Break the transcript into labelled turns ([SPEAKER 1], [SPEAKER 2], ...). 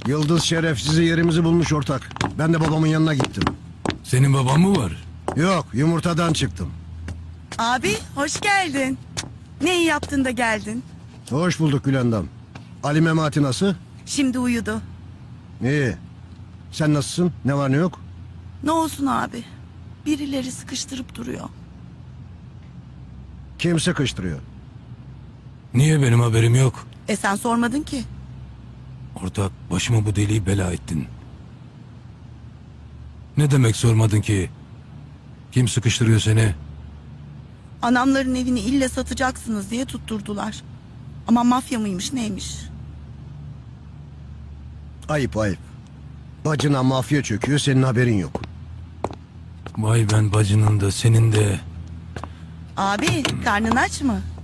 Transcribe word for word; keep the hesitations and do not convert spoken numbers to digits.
[SPEAKER 1] Yıldız şerefsizi yerimizi bulmuş ortak. Ben de babamın yanına gittim.
[SPEAKER 2] Senin baban mı var?
[SPEAKER 1] Yok, yumurtadan çıktım.
[SPEAKER 3] Abi hoş geldin. Ne iyi yaptın da geldin.
[SPEAKER 1] Hoş bulduk Gülendam. Ali Memati nasıl?
[SPEAKER 3] Şimdi uyudu.
[SPEAKER 1] İyi. Sen nasılsın? Ne var ne yok?
[SPEAKER 3] Ne olsun abi. Birileri sıkıştırıp duruyor.
[SPEAKER 1] Kim sıkıştırıyor?
[SPEAKER 2] Niye benim haberim yok?
[SPEAKER 3] E sen sormadın ki.
[SPEAKER 2] Ortak, başıma bu deliği bela ettin. Ne demek sormadın ki? Kim sıkıştırıyor seni?
[SPEAKER 3] Anamların evini ille satacaksınız diye tutturdular. Ama mafya mıymış neymiş?
[SPEAKER 1] Ayıp ayıp. Bacına mafya çöküyor, senin haberin yok.
[SPEAKER 2] Vay ben bacının da senin de.
[SPEAKER 3] Abi karnın aç mı?